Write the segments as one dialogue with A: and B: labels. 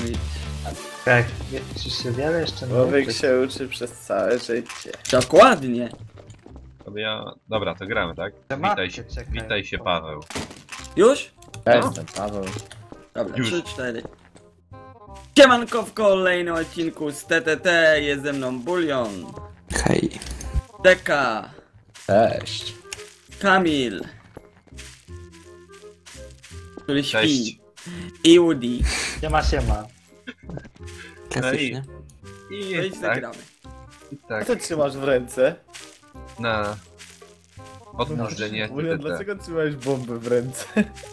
A: widzisz.
B: Tak, czy się wiele jeszcze
C: Człowiek się uczy przez całe życie.
A: Dokładnie.
D: Dobra, to gramy, tak? Witaj się, Paweł.
A: Już?
C: Ja
A: No.
C: jestem Paweł.
A: Dobra,
D: Już.
A: 3, 4. Siemanko, w kolejnym odcinku z TTT jest ze mną Bulion,
E: Hej.
A: Deka,
C: Cześć.
A: Kamil, który śpi,
D: Cześć.
A: i Woody.
B: Siema.
E: Klasycznie.
D: I
A: No i
D: tak,
A: zagramy.
D: i
C: Co
D: tak,
C: ty trzymasz w ręce?
D: na odmrożenie
C: Julian,
D: TTT.
C: dlaczego trzymałeś bombę w ręce?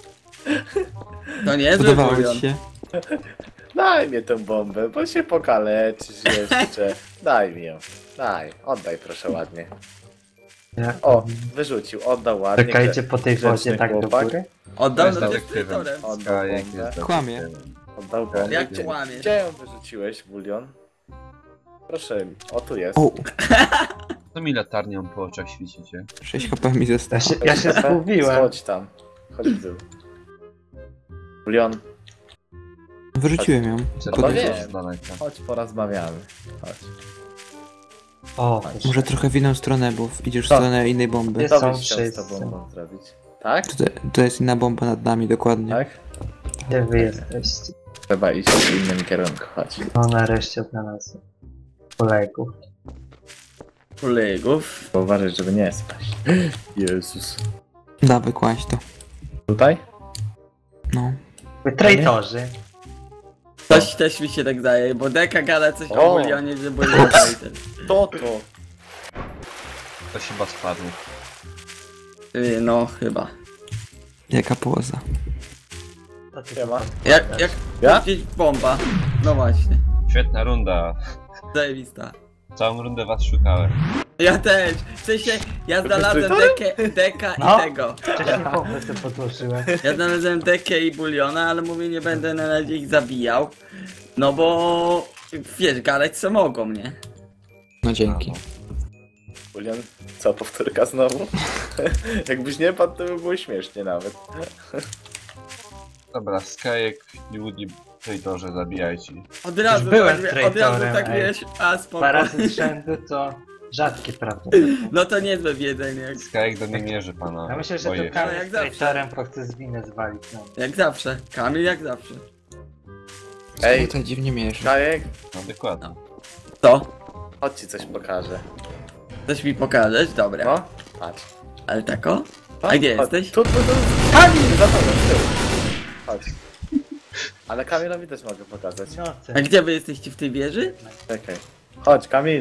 A: To niezły
E: Podobało
A: Bulion.
E: ci się?
C: Daj mi tę bombę, bo się pokaleczysz jeszcze. Daj mi ją. Daj, oddaj proszę ładnie. O, wyrzucił, oddał ładnie.
B: Czekajcie po tej
C: grzeczny
B: wodzie tak do
C: chłopak.
B: góry.
A: Oddał
D: Jest
A: na
D: detektywem.
A: dystrybutorem.
C: Oddał
D: Skajek
C: bombę.
D: jest
E: Kłamie.
D: detektywem.
C: Oddał bombę.
A: Jak
C: Gdzie-
A: kłamiesz?
C: Gdzie ją wyrzuciłeś, Bulion? Proszę, o tu jest.
E: O,
D: Co mi latarnią po oczach świecicie?
E: 6 HP mi zostało.
B: Ja się zgubiłem.
C: Chodź tam. Chodź w dół. Bulion,
E: Wyrzuciłem ją.
D: Czerwony
C: wiem.
D: z daleka.
C: chodź porozmawiamy. Chodź.
B: O,
E: Może trochę w inną stronę, bo idziesz w stronę innej bomby.
B: Jest-
C: Co
B: Są
C: byś chciał z
B: wszyscy.
C: tobą zrobić? Tak?
E: To jest inna bomba nad nami, dokładnie.
C: Tak?
B: gdzie wy jesteście?
C: Trzeba iść w innym kierunku, chodź.
B: No nareszcie odnalazłem kolegów.
A: Kolegów.
C: Bo uważaj, żeby nie spaść. Jezus.
E: Dawaj, kłaść to.
C: Tutaj?
E: No.
B: Wy traitorzy.
A: Coś też mi się tak zdaje, bo Deka gada coś o
C: O.
A: Bulionie, że Bulion traitor.
C: To.
D: To chyba spadł.
A: No chyba.
E: Jaka poza.
B: To ty
C: Siema.
A: Jak
C: Ja?
A: gdzieś bomba. No właśnie.
D: Świetna runda.
A: Zajebista.
D: Całą rundę was szukałem.
A: Ja też. W sensie, ja znalazłem Deka
B: No.
A: i tego.
B: wcześniej pompę sobie podłożyłem.
A: Ja znalazłem Dekę i Buliona, ale mówię, nie będę na razie ich zabijał. No bo... Wiesz, gadać co mogą, nie?
E: No dzięki.
C: Julian, co, powtórka znowu? Jakbyś nie padł, to by było śmiesznie nawet.
D: Dobra, Skajek i Woody traidorze, zabijajcie.
A: Od razu,
B: byłem
A: tak, od razu
B: traitorem,
A: tak
B: ej.
A: wiesz, a spoko.
B: 2 razy z rzędu to rzadkie prawda.
A: No to niezłe wiedzenie,
D: Skajek do mnie mierzy, pana.
B: Ja myślę, że
D: Boję
B: to
D: się.
B: Kamil
A: Jak
B: z
A: zawsze.
B: traitorem, bo chce z winy zwalić. No.
A: jak zawsze. Kamil jak zawsze.
C: Ej.
E: Tutaj dziwnie mierzy.
C: Kajek,
D: No dokładnie.
A: To?
C: chodź ci coś pokażę.
A: Coś mi pokażesz? Dobra.
C: No, patrz.
A: Ale tako?
C: No,
A: A gdzie
C: chodź.
A: jesteś?
C: Tu. Kamil! Za tobą, z tyłu. Chodź. Ale Kamilowi też mogę pokazać.
B: No,
A: A gdzie wy jesteście w tej wieży?
C: Czekaj. Chodź, Kamil.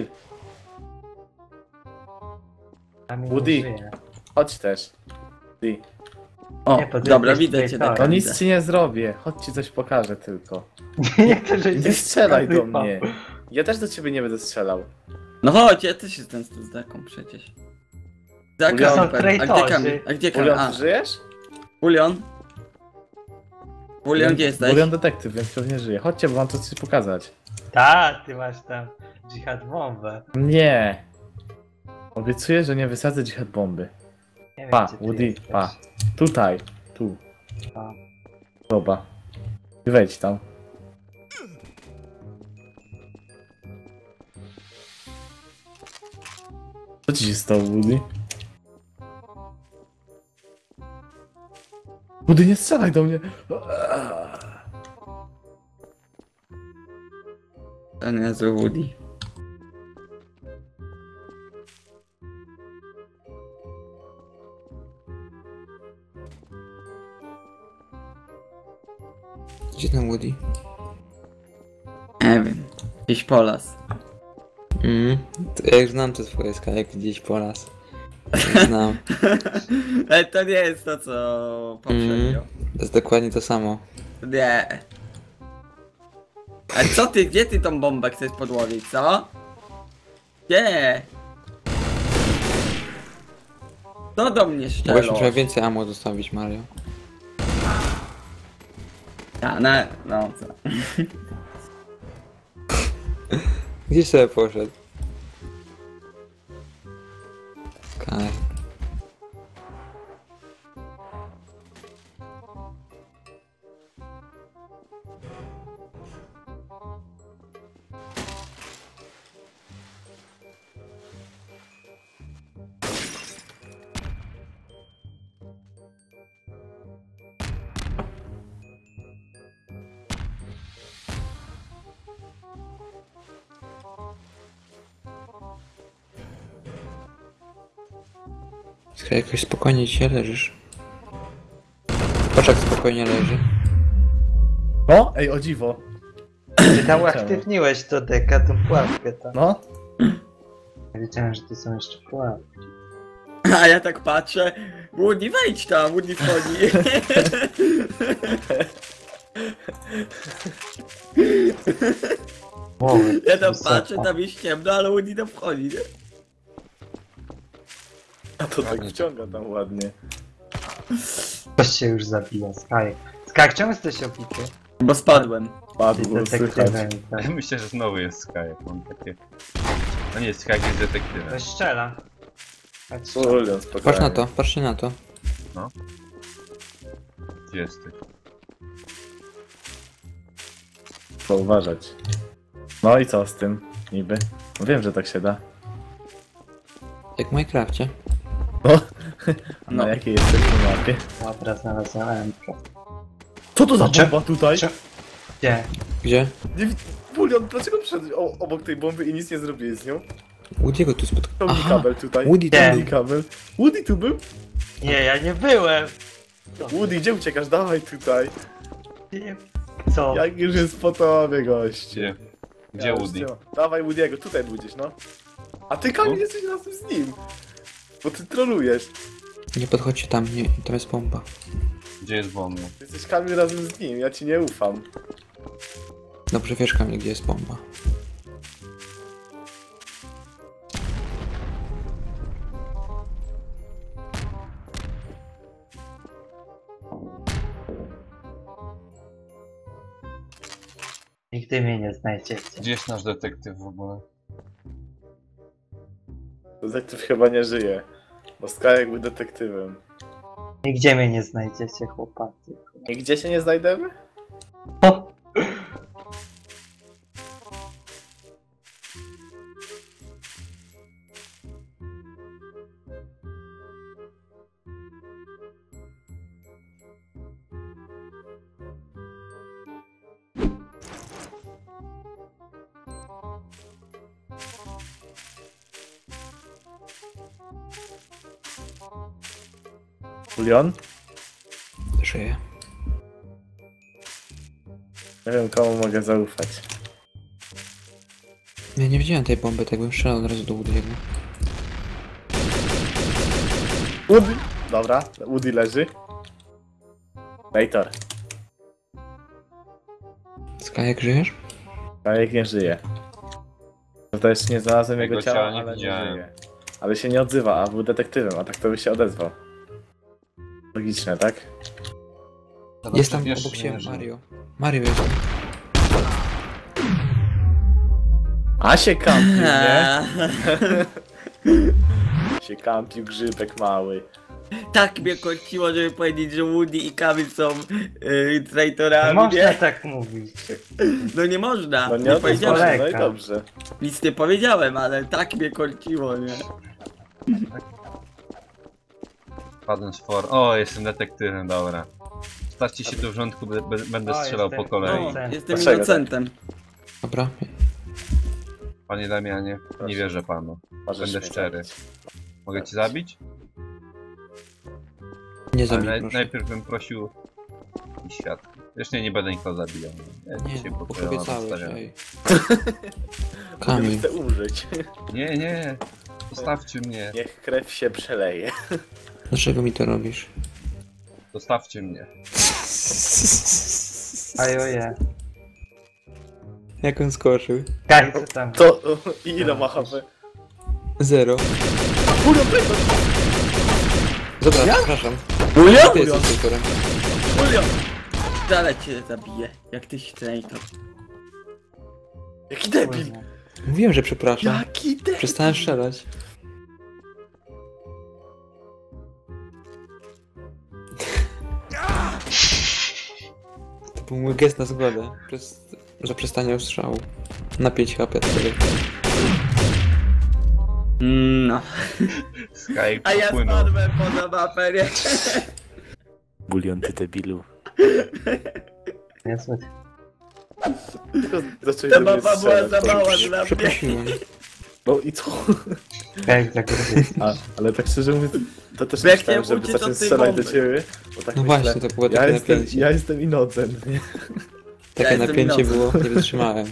B: Kamil
C: Woody.
B: nie żyje.
C: Chodź też. Ty.
A: O,
B: Nie, to ty
A: dobra,
B: jesteś
A: widzę cię.
B: traitorem.
A: Deka,
C: No nic
A: widzę.
C: ci nie zrobię. Chodź ci coś pokażę tylko.
B: Jak to, że
C: Nie
B: cię
C: strzelaj do
B: wypał?
C: mnie. Ja też do ciebie nie będę strzelał.
A: No chodź, ja też jestem tu z Deką przecież. Za
C: Bulion.
A: Kamil,
B: Są
A: a gdzie
B: traitorzy.
A: Kamil? A gdzie Kamil?
C: Bulion,
A: A,
C: ty żyjesz?
A: Bulion? Bulion, gdzie jesteś?
C: Bulion detektyw, więc pewnie żyje. Chodźcie, bo mam coś pokazać.
B: Ta, ty masz tam dżihad bombę.
C: Nie. Obiecuję, że nie wysadzę dżihad bomby.
B: Nie wiem,
C: Pa,
B: gdzie ty
C: Woody,
B: jesteś.
C: pa. Tutaj. Tu.
B: Pa.
C: Dobra. I wejdź tam. Co ci się stało, Woody? Woody, nie strzelaj do mnie!
A: To niezły Woody.
E: Gdzie ten Woody?
A: Nie wiem. Gdzieś polas.
E: Ja już znam te swoje skajek gdzieś po las. Znam.
A: Ale to nie jest to, co poprzednio.
E: To jest dokładnie to samo.
A: Nie. A co ty, gdzie ty tą bombę chcesz podłowić, co? Nie. To do mnie
E: Mogłeś
A: szczelo.
E: mi trochę więcej ammo zostawić, Mario.
A: A, no co?
E: Gdzie sobie poszedł? Skaj. Skaj, jakoś spokojnie dzisiaj leżysz. Patrz jak spokojnie leży.
C: No, ej, o dziwo.
B: Ty tam uaktywniłeś to deka, tą pułapkę tam.
C: No.
B: Ja wiedziałem, że to są jeszcze pułapki.
A: A ja tak patrzę, Woody wejdź tam, Woody wchodzi.
B: Mowy,
A: Ja tam
B: wysoko.
A: patrzę, tam jest ciemno, ale Woody tam wchodzi, nie?
C: A to tak wciąga tam ładnie.
B: Ktoś się już zabija, Sky. Sky, czemu jesteś obity?
A: Bo spadłem.
C: Padł,
B: Jesteś
C: słychać.
B: detektywem. Tak.
D: Myślę, że znowu jest Skype, mam takie... No nie, Skype jest detektywem.
B: To strzela. Patrz.
C: Julian, spokojnie.
E: Patrz na to, patrzcie na to.
D: Gdzie jesteś?
C: Trzeba uważać. No i co z tym, niby? No wiem, że tak się da.
E: Jak w Minecrafcie.
C: No. A
A: No.
C: na jakiej jesteś na mapie?
B: Dobra, znalazłem Entro.
C: Co to za
B: Cze-
C: bomba tutaj?
B: cze- Gdzie?
E: Gdzie?
C: Julian, dlaczego przyszedłeś obok tej bomby i nic nie zrobiłeś z nią?
E: Woody'ego tu spotkał.
C: Ciągnij kabel tutaj.
E: Woody
B: Nie.
C: Ciągnij kabel. Woody tu był?
B: Nie, ja nie byłem!
C: Woody, gdzie uciekasz? Dawaj tutaj.
B: Nie. Co?
C: Jak już jest po tobie, goście.
D: Gdzie? Gdzie
C: Ja
D: Woody?
C: już nie ma. Dawaj Woody'ego, tutaj był gdzieś, no. A ty, Kamil,
D: No.
C: jesteś razem z nim. Bo ty trolujesz.
E: Nie podchodźcie tam, nie, tam jest bomba.
D: Gdzie jest bomba?
C: Jesteś, Kamil, razem z nim, ja ci nie ufam.
E: Dobrze wiesz Kamil, gdzie jest bomba.
B: Nigdy mnie nie znajdziecie.
D: Gdzie jest nasz detektyw w ogóle?
C: Detektyw chyba nie żyje. Bo Skajek był detektywem.
B: Nigdzie mnie nie znajdziecie, chłopacy.
C: I gdzie się nie znajdziemy?
B: O!
C: Julian?
E: Żyje.
C: Nie wiem, komu mogę zaufać.
E: Ja nie widziałem tej bomby, tak bym strzelał od razu do Woody'ego.
C: Woody! Dobra, Woody leży. Later.
E: Sky, jak żyjesz?
C: Skajek nie żyje. Prawda, jeszcze nie znalazłem jego
D: Jego
C: ciała,
D: ciała nie
C: ale nie
D: widziałem.
C: żyje. Ale się nie odzywa, a był detektywem, a tak to by się odezwał. Logiczne, tak?
D: Dobra,
E: Jest tam
D: wiesz,
E: obok
D: nie
E: siebie
D: żyje.
E: Mario. Mario jest tam.
C: A się kampił, nie? Się kampił grzybek mały.
A: Tak mnie kociło, żeby powiedzieć, że Woody i Kamil są
B: Nie
A: traitorami,
B: można
A: nie?
B: tak mówić.
A: No nie można,
C: No
A: nie,
C: nie odezwał
A: powiedziałem.
C: się, no i
B: Kolejka.
C: dobrze.
A: Nic nie powiedziałem, ale tak mnie kociło, nie?
D: Padłem z for. O, jestem detektywem, dobra. Stawcie się tu w rządku, będę
B: O,
D: strzelał
B: jestem.
D: po kolei.
A: No,
B: Inocent.
A: jestem
C: Dlaczego
A: innocentem.
E: Dobra.
D: Panie Damianie, nie wierzę panu.
C: Możesz
D: Będę
C: mnie
D: szczery.
C: zabić.
D: Mogę cię zabić?
E: Nie
D: Ale
E: zabij, proszę.
D: najpierw bym prosił i świat. Zresztą nie będę nikogo zabijał. Ja
E: Nie,
D: się
E: bo
D: pokryłem,
E: obiecałeś,
D: odstawiam.
E: ej.
C: Kamil.
E: Kamil.
C: Chcę umrzeć.
D: Nie, nie. Zostawcie mnie.
C: Niech krew się przeleje.
E: Dlaczego mi to robisz?
D: Zostawcie mnie.
B: Ajoje.
E: Jak on skoczył?
B: Kaj, co tam?
C: To i ile ma HP?
E: 0. Dobra, przepraszam.
A: Julio?
E: Ty jesteś traitorem.
A: Julio! Dalej cię zabiję, jak tyś traitor.
C: Jaki debil!
E: Mówiłem, że przepraszam.
C: Jaki debil!
E: Przestałem strzelać. To był mój gest na zgodę. Za przestanie strzału. Na 5 HP wtedy.
A: No.
D: Skype
A: A ja
D: popłynął.
A: spadłem poza mapę, nie?
C: Bulion, ty debilu.
B: Nie słyszę.
C: Tylko zacząłeś
A: Ta
C: do mnie
A: mapa była
C: strzelać.
A: za mała dla mnie.
E: Przeprosiłem.
C: No i co?
B: Skajek za gruby.
C: Ale tak szczerze mówiąc, to też
A: Jak
C: myślałem,
A: nie
C: żeby
A: uciec od
C: zacząć
A: tej
C: strzelać do
A: bomby.
C: ciebie. Bo tak
E: No
C: myślę,
E: właśnie, to było takie napięcie.
C: ja jestem inocent, nie?
E: Takie
A: jestem
E: napięcie
A: inny.
E: było, nie wytrzymałem.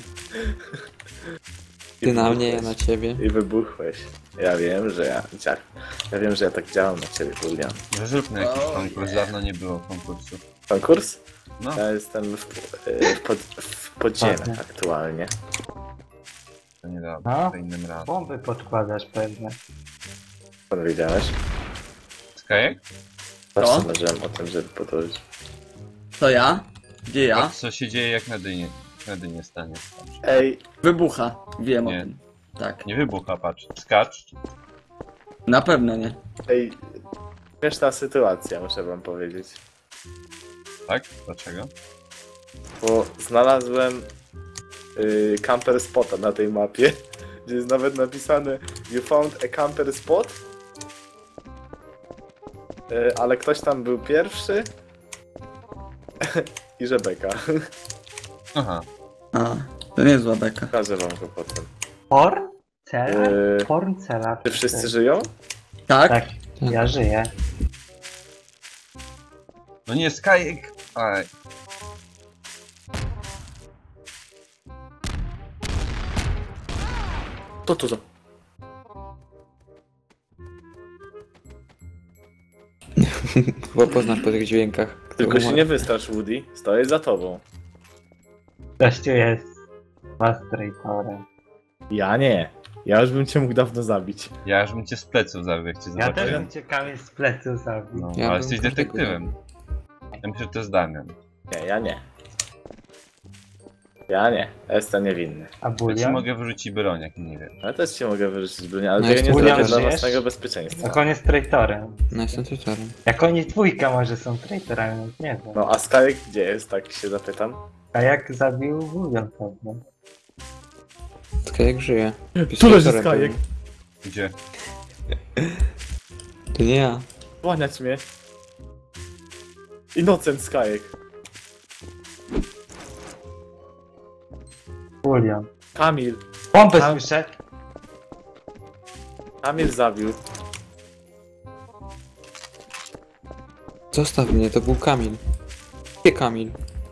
E: Ty na mnie, ja na ciebie.
C: I wybuchłeś. Ja wiem, że ja tak działam na ciebie, Julian.
D: Że zróbmy jakiś
A: O,
D: konkurs,
A: nie.
D: dawno nie było konkursu.
C: Konkurs?
D: No,
C: Ja jestem w podziemiach aktualnie.
D: to nie da,
B: No.
D: to innym razem.
B: Bomby podkładasz pewnie.
C: Skąd wiedziałeś?
D: Skajek?
C: Zawsze
A: Co?
C: marzyłem o tym, żeby podłożyć.
A: To ja? Gdzie ja?
D: Patrz co się dzieje jak na dynie stanie.
C: Ej,
A: Wybucha. Wiem
D: Nie.
A: o tym. Tak.
D: Nie wybucha, patrz. Skacz.
A: Na pewno nie.
C: śmieszna sytuacja, muszę wam powiedzieć.
D: Tak? Dlaczego?
C: Bo znalazłem camper spota na tej mapie, gdzie jest nawet napisane You found a camper spot, ale ktoś tam był pierwszy i Rebeka.
D: Aha.
A: A, to nie zła beka.
C: Pokażę wam go potem.
B: Porn? Cela?
C: Yy,
B: Porn cela.
C: Czy wszyscy żyją?
A: Tak?
B: Tak, ja żyję.
D: No nie, Skajek! Aj.
C: To tu.
E: Chyba poznasz po tych dźwiękach.
C: Tylko się nie wystrasz, Woody. Stoję za tobą.
B: Gościu jest mastrejtorem.
C: Ja nie. Ja już bym cię mógł dawno zabić.
D: Ja już bym cię z pleców zabił, jak cię
B: Ja też
D: zobaczyłem.
B: bym ciekawie z pleców zabił.
D: No,
E: Ja
D: ale
E: bym
D: jesteś
E: każdego
D: detektywem. Ja myślę, że to jest Damian.
C: Nie, ja nie. Ja nie. Ja jestem niewinny.
B: A
D: Ja ci
B: bulion?
D: mogę wyrzucić broń, jak nie wiesz.
C: Ale też ci mogę wyrzucić bronię, ale
E: No
C: tego
E: jest
C: nie
B: Julian,
C: zrobię dla
B: żyjesz?
C: własnego bezpieczeństwa.
B: Jak on jest traitorem.
E: No jestem tutorem.
B: Jak oni dwójka może są traitorami, nie wiem.
C: No a Skajek gdzie jest, tak się zapytam?
B: A jak zabił bulion pewnie.
E: Skajek żyje.
C: Tu leży
E: Tutorem
C: Skajek.
E: był.
D: Gdzie?
E: To nie ja.
C: Kłaniać mnie. Innocent Skajek.
B: Bulion.
C: Kamil.
B: Bombę
C: A-
B: słyszę.
C: Kamil zabił.
E: Zostaw mnie, to był Kamil. Gdzie Kamil?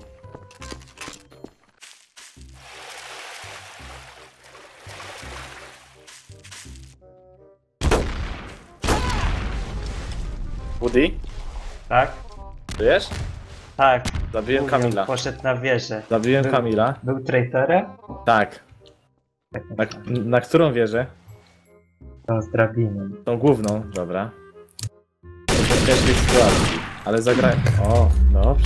C: Woody?
B: Tak?
C: Żyjesz?
B: Tak.
C: Zabiłem
B: Bulion
C: Kamila.
B: poszedł na wieżę.
C: Zabiłem Kamila.
B: Był traitorem?
C: Tak. Na którą wieżę?
B: Tą z drabiną.
C: Tą główną, dobra. W ciężkiej sytuacji. Ale zagrałem. O, dobrze.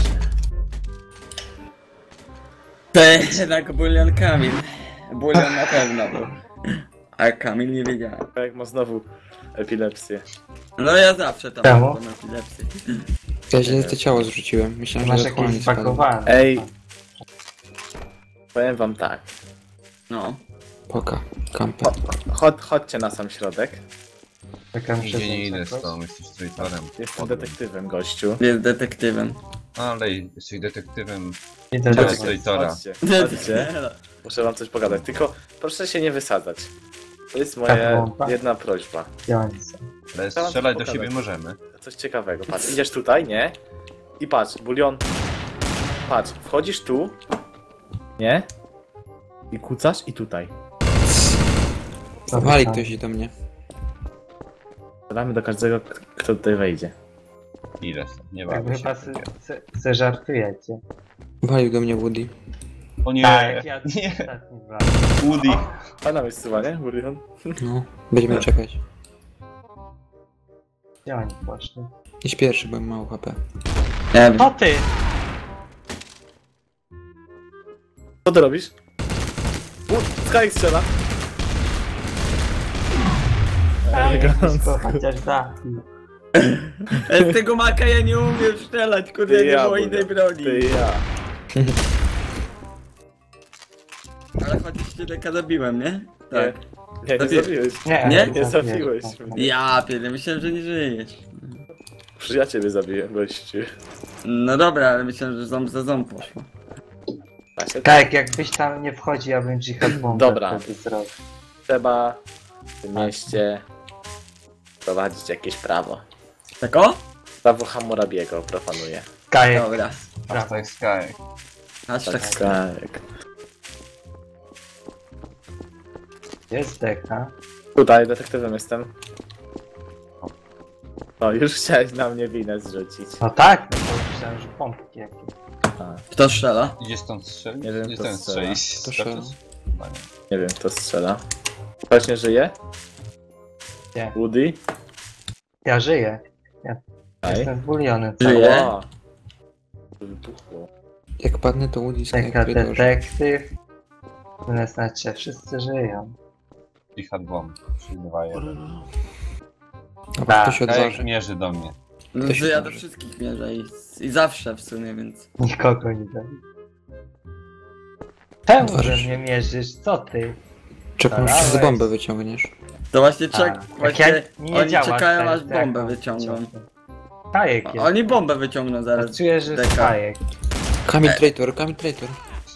A: To jednak bulion Kamil. Bulion na pewno był. A Kamil nie wiedziałem.
C: Jak ma znowu epilepsję.
A: No ja zawsze tam
B: Czemu?
A: mam epilepsję.
E: Ja źle to ciało zrzuciłem. Myślałem,
B: Masz
E: że dokładnie
B: jakieś
E: spadło.
B: zbagowane.
C: Ej. Powiem wam tak.
A: No.
E: Poka. Kamper.
C: Chodźcie na sam środek.
B: Czekam,
D: Nigdzie nie idę z tobą, jesteś traitorem.
C: Jestem detektywem, gościu.
A: Jest detektywem.
D: Ale jesteś detektywem.
B: Idę do
D: Chodź,
B: ciebie.
D: traitora.
C: Chodźcie, chodźcie. Muszę wam coś pogadać. Tylko proszę się nie wysadzać. To jest moja
B: bomba?
C: jedna prośba.
B: Gdzie oni są?
D: Ale
C: Chciałam
D: strzelać do
C: pokazać.
D: siebie możemy.
C: Coś ciekawego. Patrz, idziesz tutaj, nie? I patrz, bulion. Patrz, wchodzisz tu. Nie? I kucasz i tutaj.
E: Wali ktoś do mnie.
C: Strzelamy do każdego, kto tutaj wejdzie.
D: Ile? Nie
B: Tak
D: bawię się.
B: chyba se żartujecie.
E: Walił do mnie Woody.
D: O nie!
B: Tak, ja
D: Nie!
B: ostatni dwa.
D: Woody!
C: Fajna miejscowa, nie, bulion?
E: No, będziemy czekać.
B: Gdzie oni poszli?
E: Idź pierwszy, bo mam mało HP.
A: Nie wiem.
B: O ty!
C: Co ty robisz? Skyek strzela.
B: Elegancko, chociaż zabił.
A: Z tego maka ja nie umiem strzelać, kurde, nie było innej broni.
C: Ty i ja.
A: Ale chociaż cię taka zabiłem, nie? Tak.
C: Nie, nie
A: Zabiję.
C: zabiłeś.
A: Nie?
C: Nie zabiłeś mnie.
A: Ja pierdolę, myślałem, że nie żyjesz.
C: Przecież ja ciebie zabiję, gościu.
A: No dobra, ale myślałem, że ząb za ząb poszło.
C: Właśnie
B: Tak, jakbyś tam nie wchodził, ja bym dżihad bombę
C: Dobra.
B: wtedy zrobił.
C: Trzeba w tym mieście prowadzić jakieś prawo.
A: Tak o?
C: Prawo Hammurabiego proponuje.
B: Skajek.
A: Dobra.
D: Hashtag Sky.
A: Hashtag
C: Tak.
B: Jest deka.
C: Tutaj detektywem jestem. O, już chciałeś na mnie winę zrzucić.
B: No tak, no to myślałem, że pompki jakieś.
A: Kto strzela?
D: Idzie stąd strzelić?
C: Nie wiem,
D: Gdzie
C: kto
D: ten
C: strzela.
D: strzelić?
E: To strzela.
D: Chyba nie.
C: Nie wiem, kto strzela. Ktoś nie żyje?
B: Nie.
C: Woody?
B: Ja żyję.
C: Ej.
B: Jestem buliony.
A: Żyję.
C: Ała. Wybuchło.
E: Jak padnę, to Woody Sky
B: Deka
E: Traitorze.
B: detektyw. Tyle znaczy, wszyscy żyją.
D: I had bomb. 3-2-1.
E: A kto się
D: Kajek
E: odważy?
D: mierzy do mnie.
A: No,
E: To się
A: że ja do
E: może.
A: wszystkich mierzę i zawsze w sumie, więc...
B: Nikogo nie zabiję. Czemu
E: Odważysz.
B: że mnie mierzysz? Co ty?
E: Czekam,
B: Dobra,
E: aż z
B: weź.
E: bombę wyciągniesz.
A: To właśnie
B: A, jak
A: właśnie
B: nie
A: oni
B: działasz
A: czekają
B: tak,
A: aż
B: to
A: bombę
B: jak
A: wyciągną.
B: Kajek jest.
A: Oni bombę wyciągną zaraz.
B: Czuję, że jest
A: Deka.
B: kajek.
E: Kamil Traitor, Kamil Traitor.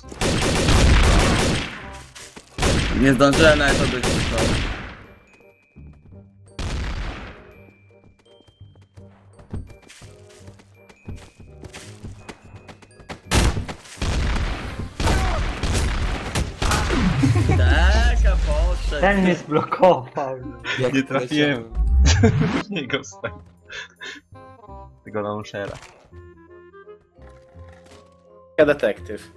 A: Nie zdążyłem nawet odejść. Taka poszedł.
B: Ten mnie zblokował.
E: Jak
D: Nie trafiłem.
E: poleciałem.
D: W niego stał. Tego launchera.
C: Ja detektyw.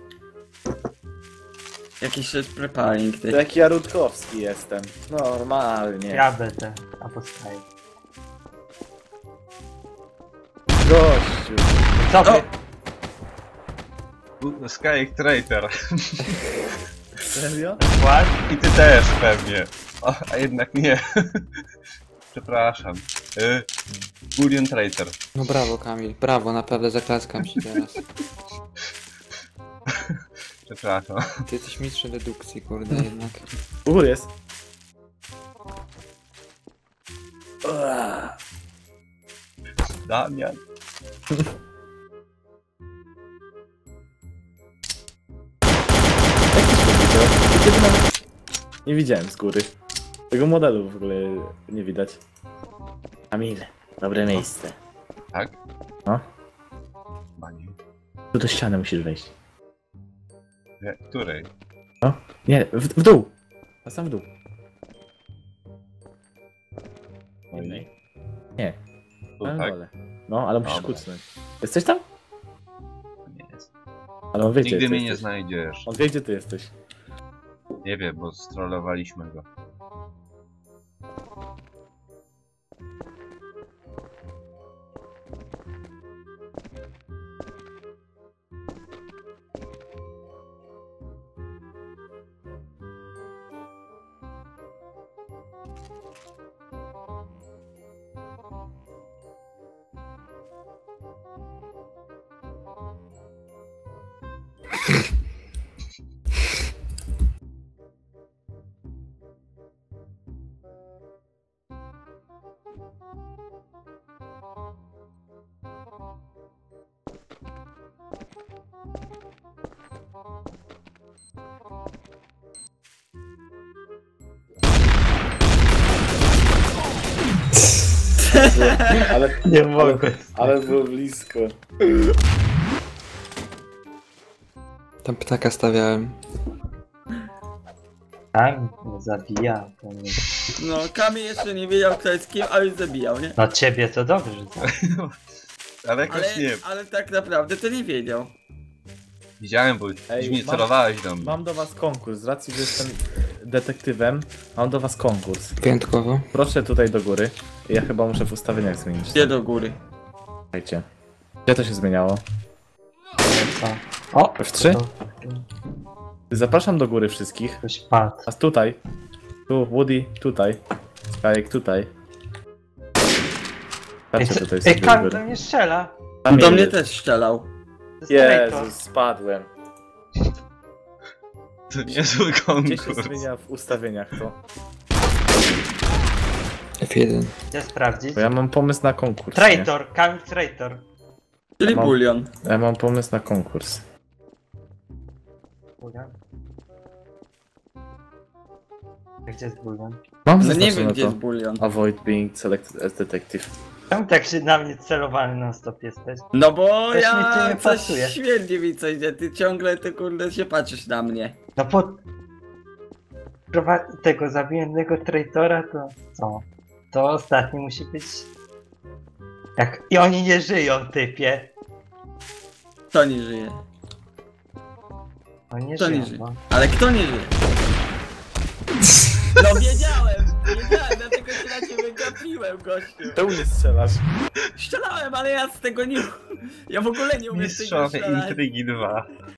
A: Jakiś jest preparing,
C: To
A: ty.
C: jak ja Rutkowski jestem. Normalnie.
B: Ja będę. Albo kajek.
C: Gościu.
B: Co
A: O!
B: ty?
D: Skyek Traitor.
C: Serio?
B: What?
D: I ty też pewnie. O, a jednak nie. Przepraszam. Bullion Traitor.
E: No brawo Kamil, brawo, naprawdę zaklaskam ci teraz.
D: Przepraszam.
E: Ty jesteś mistrzem dedukcji, kurde, jednak.
C: U góry jest.
D: Damian.
C: Kiedy nawet nie widziałem z góry. Tego modelu w ogóle nie widać. Kamil, dobre miejsce.
D: Tak?
C: No.
D: Chyba nie.
C: Tu do ściany musisz wejść.
D: Której?
C: Nie, w dół. A sam w dół.
D: No i
C: Nie,
D: tu,
C: na
D: tak?
C: dole. No, ale musisz
D: Dobra.
C: kucnąć. Jesteś tam?
D: Nie jest.
C: Ale on wie, gdzie
D: Nigdy
C: ty
D: mnie nie
C: jesteś.
D: znajdziesz.
C: On wie, gdzie ty jesteś.
D: Nie wiem, bo strollowaliśmy go.
C: Ale,
B: Nie mogę.
C: ale było blisko.
E: Tam ptaka stawiałem.
B: Tam mnie zabija. To nie...
A: No, Kamil jeszcze nie wiedział kto jest kim, a już zabijał, nie?
B: No ciebie to dobrze, że zabija.
D: Ale jakoś
A: Ale,
D: nie.
A: ale tak naprawdę to nie wiedział.
D: Widziałem, bo
C: Ej,
D: mi
C: mam-
D: celowałeś do mnie.
C: Mam do was konkurs. Z racji, że jestem detektywem, mam do was konkurs.
E: Wyjątkowo.
C: Proszę tutaj do góry. Ja chyba muszę w ustawieniach zmienić.
A: Gdzie do góry?
C: Słuchajcie. Gdzie to się zmieniało?
B: Co? O!
C: F3?
B: To
C: Zapraszam do góry wszystkich.
B: ktoś padł.
C: A tutaj. Tu, Woody, tutaj. Skajek, tutaj.
B: Ej,
C: Patrzcie tutaj
B: ej
C: sobie do
B: Kamil do
C: góry.
B: mnie strzela.
C: Tam
A: Do mnie
C: jest.
A: też strzelał.
B: To jest traitor.
C: Jezus, spadłem.
D: To niezły
C: Gdzie się
D: konkurs.
C: zmienia w ustawieniach to?
E: F1.
B: Gdzie sprawdzić?
C: Bo ja mam pomysł na konkurs.
B: Traitor, Kamil traitor.
A: Czyli
C: Mam-
A: bulion.
C: Nie? Ja mam pomysł na konkurs.
B: Gdzie jest bulion?
C: Mam
A: No nie
C: zaznaczone
A: wiem, gdzie
C: to.
A: jest bulion.
C: Avoid being selected as detective.
B: Czemu tak się na mnie celowany non stop jesteś?
A: No bo
B: Coś mi tu
A: ja
B: nie
A: coś
B: pasuje.
A: śmierdzi mi coś, gdzie ty ciągle ty kurde się patrzysz na mnie.
B: No po... tego zabijanego traitora to co? To ostatni musi być... Jak... I oni nie żyją, typie.
A: Kto nie żyje?
B: Oni nie
A: Kto nie
B: żyją,
A: żyje?
B: no.
A: Ale kto nie żyje? No wiedziałem, dlatego się na ciebie gapiłem, gościu.
C: Czemu nie strzelasz?
A: Strzelałem, ale ja z tego nie... Ja w ogóle nie umiem z tego
D: Mistrzowie
A: strzelać.
D: Intrygi 2.